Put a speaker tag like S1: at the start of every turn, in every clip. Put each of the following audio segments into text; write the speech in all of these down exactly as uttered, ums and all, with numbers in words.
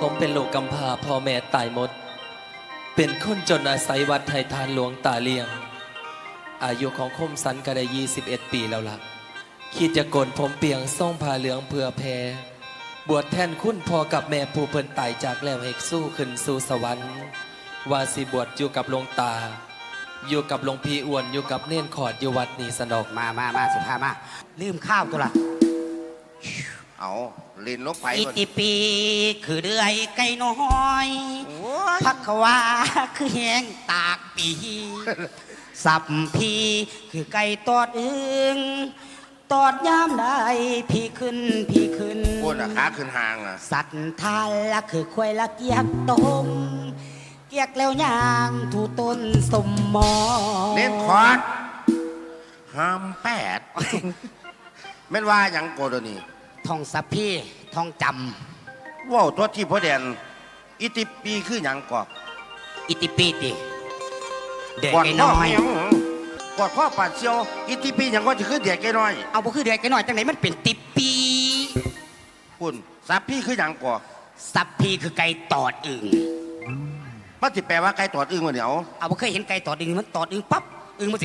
S1: ผมเป็นลูกกำพร้าพ่อแม่ตายหมดเป็นคนจนอาศัยวัดไทยทานหลวงตาเลียงอายุของคมสันก็ได้ยี่สิบเอ็ดปีแล้วล่ะคิดจะโกนผมเปียงส่งผ้าเหลืองเพื่อแพรบวชแทนคุณพ่อกับแม่ผู้เพิ่นตายจากแล้วให้สู้ขึ้นสู่สวรรค์ว่าสิบวชอยู่กับหลวงตาอยู่กับหลวงพี่อ้วนอยู่กับเน่นขอดอยู่วัดนี้สนอก
S2: มามามาสิพามาลืมข้าวตัวละ
S3: เอาลินลกไป
S2: อิติปีคือเดือยไก่น้อยพักขวาคือแหงตากปีสับพีคือไก่ตอดอึงตอดยามได้พี่ขึ้นพี่ขึ้น
S3: โอ้น่ะขาขึ้นห่างอ่ะ
S2: สัตว์ทานละคือควายละเกียกต้มเกียกแล้วย่างถูต้นสมมอ
S3: เน้นคอร์ดห้ามแปดแม่นว่าอย่างโกโดนี่
S2: ทองสัพพีทองจ
S3: ำว้าวตัวที่พ่อแดนอิติปีคืออย่างกอก
S2: อิติปีติเด็กน้อย
S3: กอดข้อปัดเชียวอิติปีอย่างก็จะคือเด็กแก่น้อย
S2: เอาบ่คือเด็กน้อยจังไหนมันเป็นติปี
S3: คุณสัพพี่คืออย่างกอก
S2: สัพพีคือไก่ตอดอึ่ง
S3: มันจะแปลว่าไก่ตอดอึ่งวะเดี๋ยว
S2: เอาบ่เคยเห็นไก่ตอดอึ่งมันตอดอึ่งปั๊บอึ่งมันสิ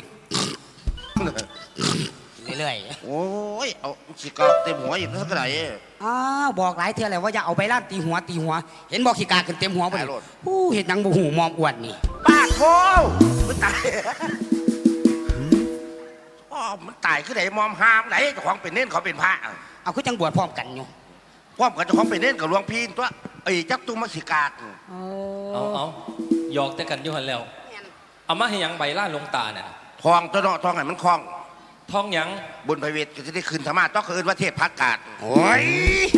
S2: เรื่อย
S3: ๆโอ้ยเอาขี้กากเต็มหัวอีกสักไหน
S2: อ้าวบอกหลายเท่าแล้วว่าอย่าเอาใบล้านตีหัวตีหัวเห็นบอกขี้กาขึ้นเต็มหัวไปเลยผู้เห็นยังบ่หูมอมอ้วนนี่
S3: ป้าโธ่มันตายอ๋อมันตายคือไหนมอมหามไหนเจ้าของเป็นเน้นเขาเป็นพระ
S2: เอาคือจังบวชพร้อมกันอยู่
S3: พร้อมกันเจ้าของเป็นเน้นกับหลวงพี่ตัวไอ้จักตุ้มมาขี้กาก
S1: เอาเอาหยอกแต่กันอยู่หันแล้วเอามาให้ยังใบล่าลงตาเนี่ย
S3: ทองตัวเนาะทองไหนมันคล้อง
S1: ทองยัง
S3: บนพระเวทก็จะได้คืนธรรมะต้องคืนว่าเทศพักกาด
S2: โอ้ย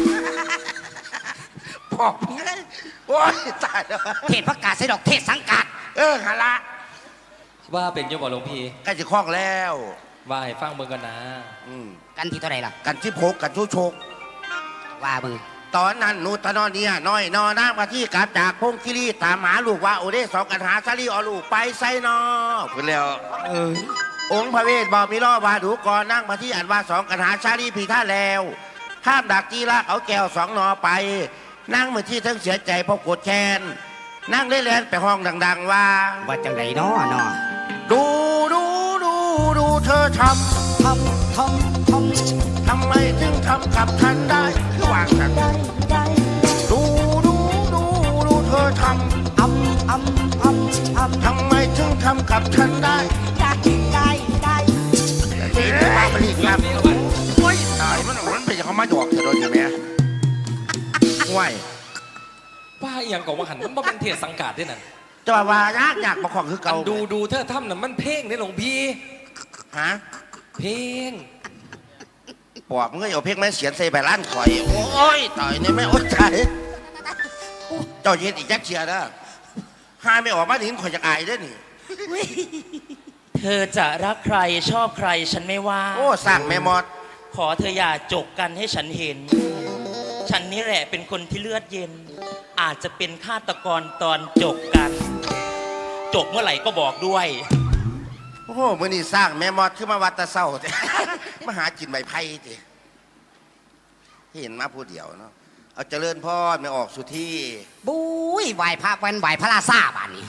S3: พอกเลยโอ้ยตายแล้ว
S2: เทศพักกาดใส่ดอกเทศสังกัด
S3: เออฮะละ
S1: ว่าเป็นยมบ่หลวงพี่
S3: ใกล้จะคล้องแล้ว
S1: ว่าให้ฟังเบิ่งกันนะ
S2: กันที่เท่าไหร่ล่ะ
S3: กันที่โพกกันทุโชก
S2: ว่ามึง
S3: ตอนนั้นนูตนอนเนี่ยน้อยนอน้ำมาที่กลับจากพงคิรีตามหาลูกว่าโอเดสองกันหาซาลีอลูกไปไซนอพูดแล้วเออองค์พระเวทบอกมีล่อวาดูก่อนนั่งมาที่อันว่าสองกันหาชาลีพีท่าแล้วห้ามดักจีละเอาแก้วสองนอไปนั่งเหมือนที่ทั้งเสียใจเพราะโกรธแค้นนั่งเล่นเล่นไปห้องดังๆว่า
S2: ว่าจังไรนอเนาะ
S3: ดูดูดูดูเธอทำ
S2: ทำทำท
S3: ำทำไมถึงทำกับฉันได้คือวางฉันดูดูดูดูเธอทำ
S2: อำอำอำอำ
S3: ทำไมถึงทำกับฉันได้
S2: ได้ได้ได้
S3: ที่มาผลิตครับโอ้ยตายมันมันเป็นเขามาหยอกเธอโดนอยู่ไหมห่วย
S1: ว่าอย่างก่อนว่าหันมันเป็นเทศสังกัดด้วยนั่น
S3: จะว่ายากยากมาของคือเก่า
S1: ดูดูเธอทำน่ะมันเพลงในหลวงพี่
S3: ฮะ
S1: เพลง
S3: ปอบมึงก็เอาเพลงแม่เสียนใส่ใบล้านข่อยโอ้ยตายเนี่ยไม่อดใจเจ้าเย็นอีกยักษ์เชียร์นะหาไม่ออกมาหนิข่อยจะอายด้วยนี่
S4: เธอจะรักใครชอบใครฉันไม่ว่า
S3: โอ้สั่งแม่มอด
S4: ขอเธออย่าจกกันให้ฉันเห็นฉันนี่แหละเป็นคนที่เลือดเย็นอาจจะเป็นฆาตกรตอนจกกันจกเมื่อไหร่ก็บอกด้วย
S3: โอ้โหมื่อนี้สร้างแม่มอดขึ้นมาวัดตะเศร้ามาหาจินใบไผ่จีเห็นมาผู้เดียวเนาะเอาเจริญพ่อไม่ออกสุที่
S2: บุ้ยไหวพระวันไหวพระราชาบ้านนี้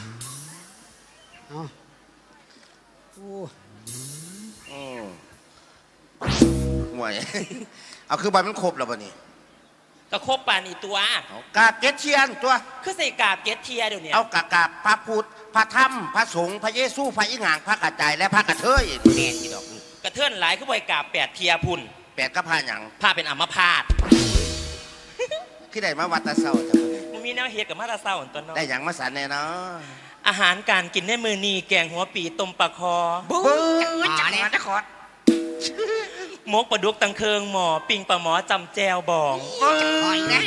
S3: ห่วยเอาคือใบมันครบแล้วป่ะนี่
S4: ก็ครบป่านี่ตัว
S3: กาบเกตเทียนตัว
S4: คือใส่กาบเกตเทียเดี๋ยวนี้
S3: เอากาบกาบพระพุทธพระธรรมพระสงฆ์พระเยซูพระอิหงางพระกระจายและพระกระเทย
S2: แม่นี่ดอก
S4: กระเทือนหลายคือใบกาบแปดเทียพุ่น
S3: แปดก็พาหยัง
S4: พาเป็นอัมพาต
S3: ที่ได้มาวัดตะเศร้าจังเลย
S4: มันมีแนวเฮ็ดกับมาตะเศร้าตัวน้อง
S3: ได้หยังมาสานแน่เนาะ
S4: อาหารการกินในมือนีแกงหัวปีต้มปลาคอ
S3: บู๊จังมาจะขอด
S4: มกปลาดุกตังเคิงหมอปิงปลาหมอจำแจวบอง
S3: หอยนะ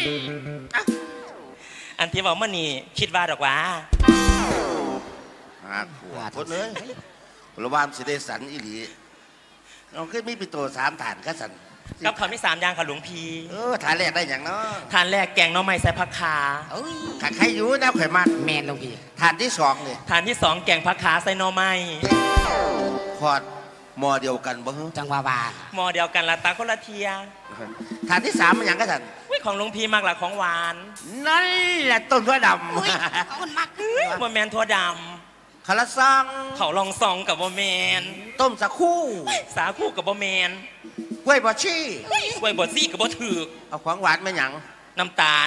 S4: อันที่บอกมันนี่คิดว่าดอกว่า
S3: หาขวดคนเลยระวามสิเดสันอิหลีเราขึ้นมีปิโตสามฐานก็สัน
S4: กับคำที่สามอย่างค่ะหลวงพี่
S3: เออฐานแรกได้อย่างเนาะ
S4: ฐานแรกแกงน้องไม้ใส่ผักขา
S3: ขัดใครอยู่นะไข่มัน
S2: แมนหลวงพี่
S3: ฐานที่สองเนี่ย
S4: ฐานที่สองแกงผักขาใส่น้องไม้
S3: ขอดมอเดียวกันบ่
S2: จังหวะบา
S4: หมอเดียวกันละตาคนละเทีย
S3: ฐานที่สามมันอย่างก็สัน
S4: วิของหลวงพี่มากหลักของหวาน
S3: นั่นแหละต้นถั่วด
S2: อุ้ยเขาคนมัก
S4: บ่แมนทั่วด
S3: ำคาราซัง
S4: ำเขาลองซองกับบ่แมน
S3: ต้มสักคู่
S4: สาคูกับบ่แมน
S3: กล้วยบอชี่
S4: กล้วยบดซี่กับบ่ถือก
S3: เอาของหวานมาหยัง
S4: น้ำตาล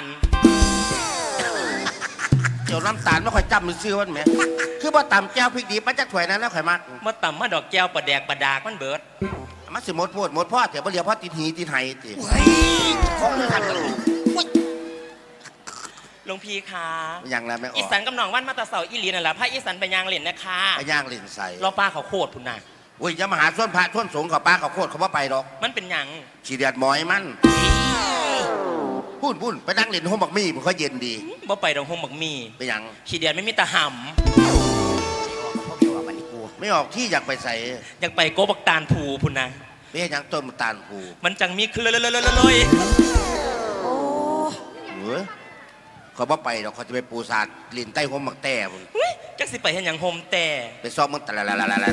S3: เดี๋ยวน้ำตาลไม่ค่อยจำมือซื้อวันไหมคือบ่ต่ำแก้วพริกดีมันจะถวยนั้นแล้วข่อยมัก
S4: มาต่ำมาดอกแก้วประแดกประดากมันเบิด
S3: มันสิหมดพูดหมดพ่อเดี๋ยวบ่เหลียวพ่อติดหีติดไหติ
S2: เฮ้ยของเรื่องขันกันอุ้ย
S4: หลวงพี่คะ
S3: มันหยังแล้วไม่อ
S4: อี
S3: อก
S4: สานกำนองวันมาตาเสาอีหลีนั่นแหละพระอีสานไปยางเล่นนะคะ
S3: ไปย่างเล่นใส่
S4: เราปลาเขาโคตรพุ่นน่ะ
S3: โอ้ยจะมาหาส่วนพระส่วนสงฆ์เขาป้าเขาโคตรเขาว่าไปหรอก
S4: มันเป็นหยัง
S3: ฉีเดียดหมอยมันพูดพูดไปนั่งเล่นห้องบักมี่มันก็เย็นดี
S4: บ่ไปดอกหงบักมี
S3: ไปหยัง
S4: ขี้เดียนไม่มีตาห
S2: พวกเดียวกับมันนี่กู
S3: ไม่ออกที่อยากไปใส่
S4: ำอยากไปโกบักตาลผูพุ่นน่ะ
S3: ไม่ใช่หยังต้นมันตาลผู
S4: มันจังมีคือเลยเลยเลยเลย
S2: โอ้
S3: เฮ้ยเขาว่าไปหรอกเขาจะไปปูสาดลินใต้ห้องบักแต่พุ่น
S4: จักสิไปเห็นอย่างโฮมแต่
S3: ไปซ้อมมึงตะละละละละละ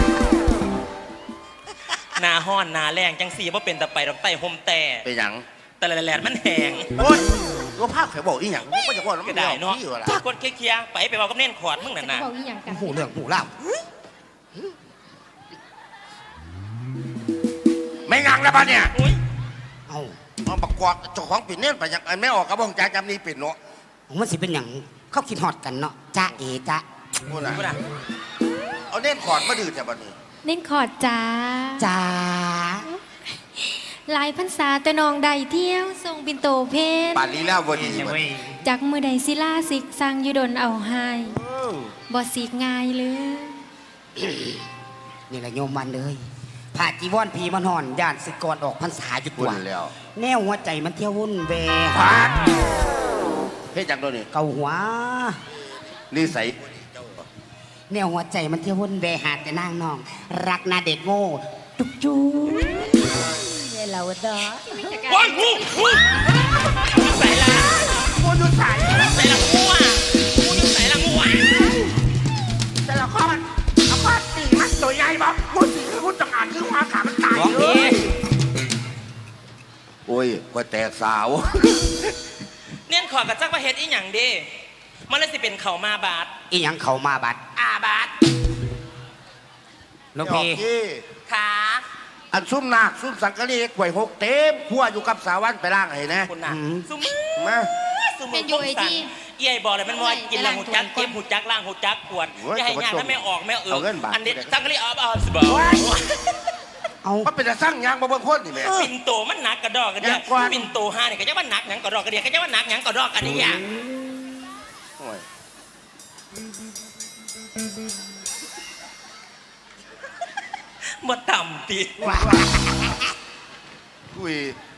S4: หนาห้อนหนาแรงจังสีว่าเป็นแต่ไปดอกไต้โฮมแต่
S3: ไปหยัง
S4: แต่ละแหลนมันแหง
S3: โอ้ยตัวภาพเขาบอกอีหยังก็จะบอกน้ำ
S4: ก็
S3: มัน
S4: ได้
S3: ออก
S4: เนาะ
S3: ที่วะล่ะ
S4: ถ้ากดเคลียร์ๆไปไปบอกกับเน่นขอดมึงน่ะนะ
S5: บอกอีหยังกัน
S2: หูเรื่องหูเล่า
S3: ไม่งังแล้วปะเนี่ย
S4: อุ้ย
S2: เอา
S3: เอาประกอบเจ้าของปิดเนี่ยไปยังไม่ออกกระบองจากจำนี้ปิดเนาะ
S2: มันสิเป็นอย่างเขาคิดฮอดกันเนาะจ้าเอจ้า
S3: พูดนะ
S4: พูดนะ
S3: เอาเน่นขอดมาดื่มจากบันนี้
S5: เน้นขอดจ้า
S2: จ้า
S5: หลายพรรษาแต่น้องใดเที่ยวทรงบินโตเพน
S3: ป่านนี้แล้ววันนี้บัดนี้
S5: จากมือใดศิลาสิกสร้างอยุดนเอาให้บ่สิกง่ายเลย
S2: นี่แหละโยมมันเลยผ่าจีวรพีมันหอนย่านสึกก่อนออกพรรษาอยู่
S3: พู
S2: ตั
S3: ด
S2: ว
S3: แล้ว
S2: แนวหัวใจมันเที่ยววุ่นแว
S3: พาดเฮ้ยจังตัวนี้
S2: เกาหัว
S3: นี่ใส่
S2: แนวหัวใจมันเที่ยววุ่นแวหาแต่นางน้อง รักนาเด็กโง่จุ๊บจุ๊บเดี๋ยวเราดอ
S4: โอ้ยงูงูใส่ละ
S3: พูดอยู่ใส่
S4: ใส่ละงูอ่ะงูอยู่ใส่ละงูอ่ะ
S3: แต่ละข้อมันเอาข้อตีมันตัวใหญ่บอกพูดสีพูดจังอ่านคือความขามันตาย
S2: ร้อง
S3: เล
S2: เอย
S3: โอ้ยกว่าแตกสาว
S4: เน่นขอดกับจักประเฮ็ดอีหยังเด้มันเลยสิเป็นเข่ามาบาด
S2: อีหยังเขามาบัด
S4: อาบาด
S2: หลูก
S3: ออก
S2: พี่
S3: ที่
S4: ขา
S3: อันซุ่มนาคซุ่มสังกะรีกล้วยหกเต็มขั้วอยู่กับสาวันไปล่างให้นะ
S4: คุณน่ะสุมือ
S3: มา
S4: สุมือคมสันเอี้ยบอกเลยมันว่ากินแล้วหูจักเก็บหูจักล่างหูจักขวดอย่าให้ยากถ้าไม่ออกไม่เอออันนี้จักรีออฟออฟสบอ
S2: เอา
S3: มันเป็นแต่สร้างยางมาเบิ่งคนนี่แหม่
S4: ปินโตมันหนักกระดอกกระเดียปินโตห้าเนี่ยก็จะว่าหนักหยังกระดอกกระเดียก็จะว่าหนักหยังกระดอกอันนี้อย่าง
S3: โอ้ย
S4: มาต่ำตี
S2: ว่า
S3: คุย